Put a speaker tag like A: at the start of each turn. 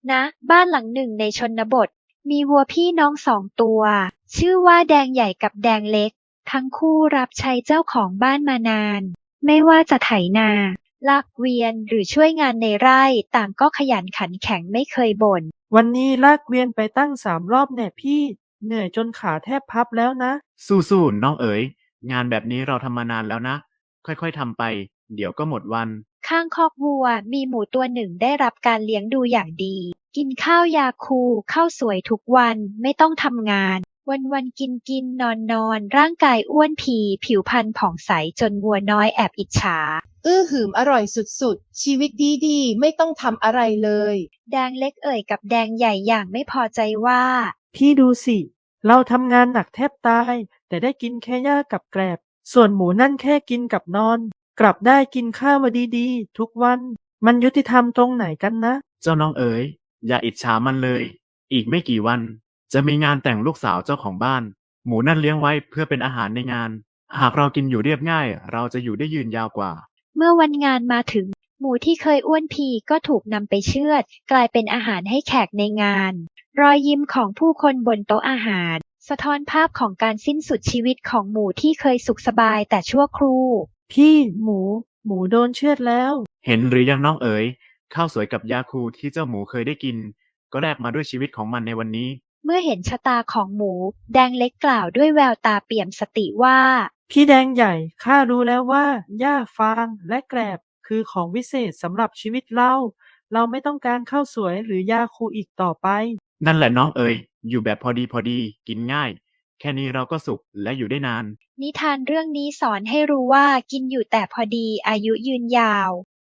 A: ณบ้านหลังหนึ่งในชนบทมีวัวพี่น้องสองตัวชื่อว่าแดงใหญ่กับแดงเล็กทั้งคู่รับใช้เจ้าของบ้านมานานไม่ว่าจะไถนาลากเกวียนหรือช่วยงานในไร่ต่างก็ขยันขันแข็งไม่เคยบ่น
B: วันนี้ลากเกวียนไปตั้ง3 รอบแน่พี่เหนื่อยจนขาแทบพับแล้วนะ
C: สู้ๆน้องเอ๋ยงานแบบนี้เราทำมานานแล้วนะค่อยๆทำไปเดี๋ยวก็หมดวัน
A: ข้างคอกวัวมีหมูตัวหนึ่งได้รับการเลี้ยงดูอย่างดีกินข้าวยาคูข้าวสวยทุกวันไม่ต้องทำงานวันๆกินนอนร่างกายอ้วนผีผิวพรรณผ่องใสจนวัวน้อยแอบอิจฉา
D: หืมอร่อยสุดๆชีวิตดีๆไม่ต้องทำอะไรเลย
A: แดงเล็กเอ่ยกับแดงใหญ่อย่างไม่พอใจว่า
B: พี่ดูสิเราทำงานหนักแทบตายแต่ได้กินแค่หญ้ากับแกลบส่วนหมูนั่นแค่กินกับนอนกลับได้กินข้าวมาดีๆทุกวันมันยุติธรรมตรงไหนกันนะ
C: เจ้าน้องเอ๋ยอย่าอิจฉามันเลยอีกไม่กี่วันจะมีงานแต่งลูกสาวเจ้าของบ้านหมูนั่นเลี้ยงไว้เพื่อเป็นอาหารในงานหากเรากินอยู่เรียบง่ายเราจะอยู่ได้ยืนยาวกว่า
A: เมื่อวันงานมาถึงหมูที่เคยอ้วนพีก็ถูกนำไปเชือดกลายเป็นอาหารให้แขกในงานรอยยิ้มของผู้คนบนโต๊ะอาหารสะท้อนภาพของการสิ้นสุดชีวิตของหมูที่เคยสุขสบายแต่ชั่วครู่
B: พี่หมูโดนเชือดแล้ว
C: เห็นหรือยังน้องเอ๋ยข้าวสวยกับยาคูที่เจ้าหมูเคยได้กินก็แลกมาด้วยชีวิตของมันในวันนี้
A: เมื่อเห็นชะตาของหมูแดงเล็กกล่าวด้วยแววตาเปี่ยมสติว่า
B: พี่แดงใหญ่ข้ารู้แล้วว่าหญ้าฟางและแกลบคือของวิเศษสำหรับชีวิตเราไม่ต้องการข้าวสวยหรือยาคูอีกต่อไป
C: นั่นแหละน้องเอ๋ยอยู่แบบพอดีกินง่ายแค่นี้เราก็สุขและอยู่ได้นาน
A: นิทานเรื่องนี้สอนให้รู้ว่ากินอยู่แต่พอดีอายุยืนยาว